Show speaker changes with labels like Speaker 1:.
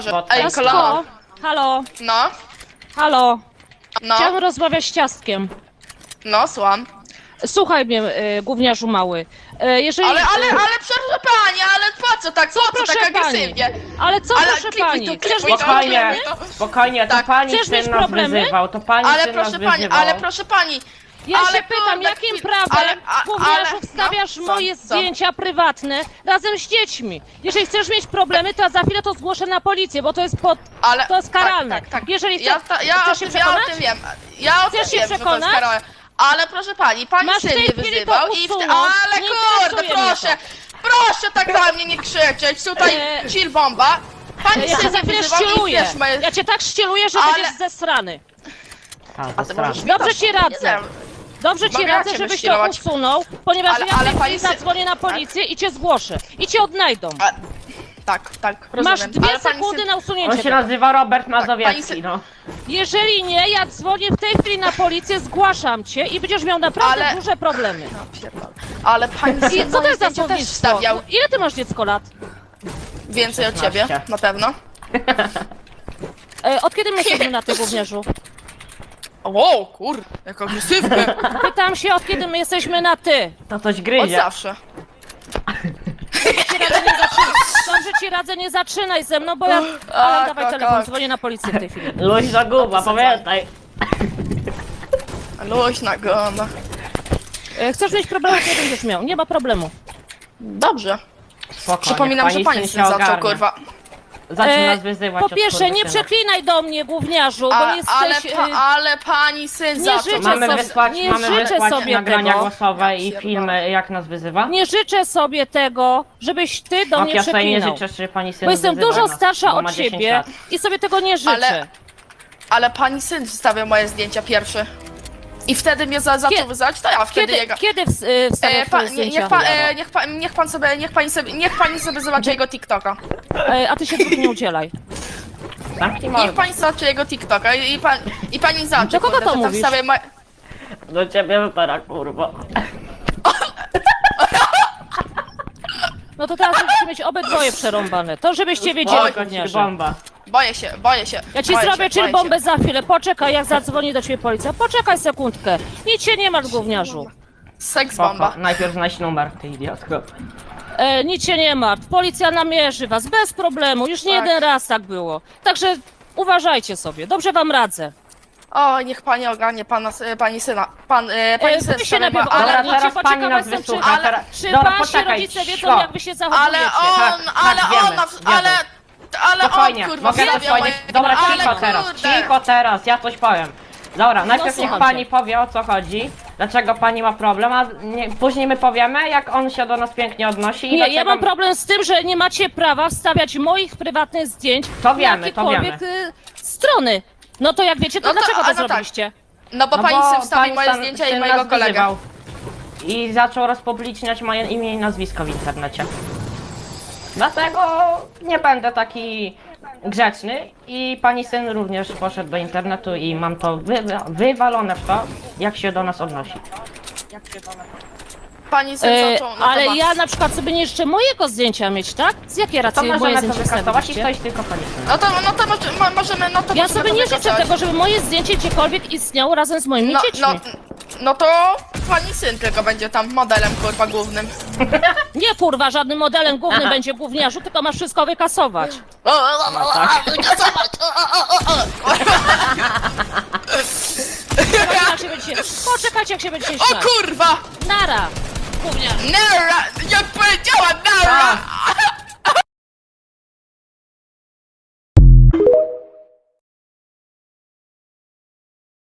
Speaker 1: Ej, kolano.
Speaker 2: Halo,
Speaker 1: No,
Speaker 2: halo.
Speaker 1: no,
Speaker 2: Chciałam rozmawiać z Ciastkiem.
Speaker 1: no, słucham.
Speaker 2: Słuchaj mnie, gówniarzu mały. Jeżeli...
Speaker 1: Ale proszę pani, ale po co tak
Speaker 2: proszę
Speaker 1: agresywnie?
Speaker 2: Ale co,
Speaker 1: Ale
Speaker 2: proszę
Speaker 1: klipuj
Speaker 2: pani?
Speaker 1: to,
Speaker 2: Chcesz
Speaker 1: klipuj
Speaker 2: mieć
Speaker 1: to.
Speaker 2: problemy?
Speaker 3: Spokojnie, to
Speaker 1: Tak.
Speaker 3: pani
Speaker 2: Chcesz mieć
Speaker 3: syn nas
Speaker 2: problemy?
Speaker 3: wyzywał, to pani
Speaker 1: Ale
Speaker 3: syn nas
Speaker 1: proszę pani,
Speaker 3: wyzywał.
Speaker 1: ale proszę pani.
Speaker 2: Ja
Speaker 1: ale
Speaker 2: się pytam,
Speaker 1: kurde,
Speaker 2: jakim
Speaker 1: chwil-
Speaker 2: prawem, gówniarzu,
Speaker 1: no,
Speaker 2: wstawiasz
Speaker 1: co,
Speaker 2: moje
Speaker 1: co?
Speaker 2: zdjęcia prywatne razem z dziećmi? Jeżeli chcesz mieć problemy, to za chwilę to zgłoszę na policję, bo to jest
Speaker 1: Ale,
Speaker 2: to jest karalne.
Speaker 1: Tak.
Speaker 2: Jeżeli
Speaker 1: Ja,
Speaker 2: chcesz,
Speaker 1: ja,
Speaker 2: chcesz się przekonać?
Speaker 1: ja o tym wiem. Ja o tym
Speaker 2: Chcesz się
Speaker 1: wiem, że to jest
Speaker 2: przekonać?
Speaker 1: karalne. Ale proszę pani
Speaker 2: Masz w
Speaker 1: syn
Speaker 2: tej
Speaker 1: mnie
Speaker 2: chwili
Speaker 1: wyzywał
Speaker 2: to
Speaker 1: i
Speaker 2: usunąć.
Speaker 1: ale
Speaker 2: Nie
Speaker 1: kurde,
Speaker 2: interesuje mnie
Speaker 1: proszę. Proszę tak na mnie nie krzyczeć. Tutaj chill bomba. Pani
Speaker 2: Ja cię
Speaker 1: syn
Speaker 2: za
Speaker 1: mnie
Speaker 2: chwilę
Speaker 1: wyzywał i
Speaker 2: ścieluję.
Speaker 1: wiesz, moje...
Speaker 2: Ja cię tak ścieluję, że
Speaker 1: Ale-
Speaker 2: będziesz zesrany.
Speaker 3: A, to
Speaker 1: możesz
Speaker 3: straszne.
Speaker 1: mi
Speaker 2: Dobrze
Speaker 1: to-
Speaker 2: ci
Speaker 1: nie
Speaker 2: radzę.
Speaker 1: wiem.
Speaker 2: Dobrze ci
Speaker 1: Mogę
Speaker 2: radzę,
Speaker 1: cię
Speaker 2: żebyś to
Speaker 1: wyścielować.
Speaker 2: usunął, ponieważ
Speaker 1: Ale-
Speaker 2: ja
Speaker 1: ale
Speaker 2: w tej
Speaker 1: pani
Speaker 2: chwili
Speaker 1: sy-
Speaker 2: zadzwonię na policję i cię zgłoszę. I cię odnajdą.
Speaker 1: Tak,
Speaker 2: Masz
Speaker 1: rozumiem.
Speaker 2: 2
Speaker 1: Ale pani
Speaker 2: sekundy
Speaker 1: syn-
Speaker 2: na
Speaker 3: On
Speaker 2: usunięcie
Speaker 3: się
Speaker 2: tego.
Speaker 3: nazywa Robert
Speaker 1: pani
Speaker 3: Mazowiecki,
Speaker 1: syn-
Speaker 3: no.
Speaker 2: Jeżeli nie, ja dzwonię w tej chwili na policję, zgłaszam cię i będziesz miał naprawdę
Speaker 1: Ale-
Speaker 2: duże problemy.
Speaker 1: Ale pani
Speaker 2: I
Speaker 1: syn
Speaker 2: co to
Speaker 1: moje
Speaker 2: jest za
Speaker 1: zdjęcia też
Speaker 2: słownictwo?
Speaker 1: wstawiał.
Speaker 2: Ile ty masz dziecko lat?
Speaker 1: Więcej od ciebie,
Speaker 3: 16.
Speaker 1: na pewno.
Speaker 2: Od kiedy my jesteśmy na ty, gówniarzu?
Speaker 1: O, kurde, jak agresywny.
Speaker 2: Pytam się, od kiedy my jesteśmy na ty?
Speaker 3: To coś
Speaker 1: Od
Speaker 3: gryzie.
Speaker 1: zawsze.
Speaker 2: Dobrze ci radzę, nie zaczynaj ze mną, bo ja... Ale dawaj
Speaker 1: tak,
Speaker 2: telefon,
Speaker 1: tak.
Speaker 2: dzwonię na policję w tej chwili.
Speaker 3: Luźna guba, pamiętaj.
Speaker 1: Luźna gona.
Speaker 2: Chcesz mieć problemy, to nie będziesz miał. Nie ma problemu.
Speaker 1: Dobrze.
Speaker 3: Spokojnie,
Speaker 1: Przypominam, że pani
Speaker 3: syn
Speaker 1: syn zaczął,
Speaker 3: ogarnia.
Speaker 1: kurwa.
Speaker 3: Zacznie nas wyzywać
Speaker 2: Po
Speaker 3: od
Speaker 2: pierwsze, nie
Speaker 3: skurwysyna.
Speaker 2: przeklinaj do mnie, gówniarzu, bo jesteś...
Speaker 1: Ale pani syn
Speaker 2: nie
Speaker 1: zaczął.
Speaker 2: życzę
Speaker 3: Mamy
Speaker 2: sobie-
Speaker 3: wysłać,
Speaker 2: nie
Speaker 3: mamy
Speaker 2: życzę
Speaker 3: wysłać
Speaker 2: sobie
Speaker 3: nagrania
Speaker 2: tego.
Speaker 3: głosowe i
Speaker 1: Ja
Speaker 3: filmy, jak nas wyzywa.
Speaker 2: Nie życzę sobie tego, żebyś ty do mnie
Speaker 3: Ja sobie nie
Speaker 2: przeklinał.
Speaker 3: życzę, że pani syn
Speaker 2: Bo jestem
Speaker 3: wyzywa
Speaker 2: dużo
Speaker 3: nas,
Speaker 2: starsza
Speaker 3: bo ma
Speaker 2: od
Speaker 3: 10
Speaker 2: ciebie
Speaker 3: lat.
Speaker 2: i sobie tego nie życzę.
Speaker 1: Ale pani syn wstawiał moje zdjęcia pierwszy. I wtedy mnie zaczął wyzywać, to ja wtedy jego...
Speaker 2: Kiedy wstawiasz twoje zdjęcia?
Speaker 1: Niech pani sobie zobaczy jego TikToka.
Speaker 2: A ty się dwóch nie udzielaj.
Speaker 3: Zamknij
Speaker 1: Niech
Speaker 3: mordę.
Speaker 1: pani zobaczy jego TikToka i pani zobaczy,
Speaker 2: Do kogo
Speaker 1: kurde,
Speaker 2: to
Speaker 1: że tam
Speaker 2: mówisz?
Speaker 1: wstawia moje...
Speaker 3: Do ciebie teraz, kurwa.
Speaker 2: No to teraz będziecie mieć obydwoje przerąbane. To żebyście wiedzieli,
Speaker 1: Oj,
Speaker 2: gówniarze.
Speaker 3: bomba.
Speaker 1: Boję się.
Speaker 2: Ja ci
Speaker 1: boję
Speaker 2: zrobię
Speaker 1: się,
Speaker 2: chill
Speaker 1: boję
Speaker 2: bombę
Speaker 1: się.
Speaker 2: za chwilę. Poczekaj, jak zadzwoni do ciebie policja. Poczekaj sekundkę. Nic się nie masz, gówniarzu.
Speaker 1: Seks
Speaker 3: Spoko.
Speaker 1: bomba.
Speaker 3: Najpierw znajdź numer, ty idiotko.
Speaker 2: Nic się nie martw. Policja namierzy was bez problemu. Już nie
Speaker 1: Tak.
Speaker 2: jeden raz tak było. Także uważajcie sobie. Dobrze wam radzę.
Speaker 1: O, niech pani ogarnie pani syna. Pani syn
Speaker 2: wy się
Speaker 1: wstawia
Speaker 2: najpierw
Speaker 1: ma... Ale,
Speaker 2: ogarnijcie,
Speaker 3: teraz
Speaker 2: bo
Speaker 3: pani
Speaker 2: ciekawa
Speaker 3: nas
Speaker 2: jestem,
Speaker 3: wysłucha,
Speaker 2: czy-
Speaker 3: teraz...
Speaker 2: Czy
Speaker 3: Dobra,
Speaker 2: wasi
Speaker 3: poczekaj,
Speaker 2: rodzice wiedzą,
Speaker 3: cicho.
Speaker 2: jak wy się zachowujecie?
Speaker 1: ale
Speaker 3: wiemy,
Speaker 1: ale
Speaker 3: Spokojnie,
Speaker 1: on, kurwa,
Speaker 3: mogę
Speaker 1: wstawia
Speaker 3: powiedzieć...
Speaker 1: moje...
Speaker 3: Dobra,
Speaker 1: ale
Speaker 3: cicho teraz,
Speaker 1: kurde.
Speaker 3: cicho teraz, ja coś powiem. Dobra, najpierw niech
Speaker 2: słucham
Speaker 3: pani
Speaker 2: cię.
Speaker 3: powie, o co chodzi, dlaczego pani ma problem, a później my powiemy, jak on się do nas pięknie odnosi i
Speaker 2: Nie,
Speaker 3: dlaczego...
Speaker 2: ja mam problem z tym, że nie macie prawa wstawiać moich prywatnych zdjęć
Speaker 3: To wiemy,
Speaker 2: na jakiekolwiek strony. No to jak wiecie, to
Speaker 1: No to-
Speaker 2: dlaczego to
Speaker 1: no tak.
Speaker 2: zrobiliście?
Speaker 1: No bo
Speaker 3: No
Speaker 1: pani
Speaker 3: bo
Speaker 1: syn wstawił moje
Speaker 3: syn-
Speaker 1: zdjęcia
Speaker 3: syn
Speaker 1: i mojego
Speaker 3: nas
Speaker 1: kolegę.
Speaker 3: wyzywał. I zaczął rozpubliczniać moje imię i nazwisko w internecie. Dlatego nie będę taki grzeczny i pani syn również poszedł do internetu i mam to wywalone w to, jak się do nas odnosi.
Speaker 1: Pani syn zaczął... No to
Speaker 2: Ale
Speaker 1: ma-
Speaker 2: ja na przykład sobie nie życzę mojego zdjęcia mieć, tak? Z jakiej
Speaker 3: To
Speaker 2: racji moje
Speaker 3: możemy to
Speaker 2: zdjęcie
Speaker 3: wykasować i
Speaker 2: wstawiliście?
Speaker 3: ktoś tylko pani syn.
Speaker 1: No to możemy... No to
Speaker 2: Ja
Speaker 1: możemy
Speaker 2: sobie
Speaker 1: to
Speaker 2: nie życzę
Speaker 1: wykasować.
Speaker 2: tego, żeby moje zdjęcie gdziekolwiek istniało razem z moimi dziećmi.
Speaker 1: No to pani syn tylko będzie tam modelem, kurwa, głównym.
Speaker 2: Nie kurwa, żadnym modelem głównym będzie gówniarzu, tylko masz wszystko wykasować. Poczekajcie, jak się będziecie
Speaker 1: O
Speaker 2: śmiać.
Speaker 1: kurwa!
Speaker 2: Nara! Gówniarz.
Speaker 1: Nara! Jak powiedziała Nara!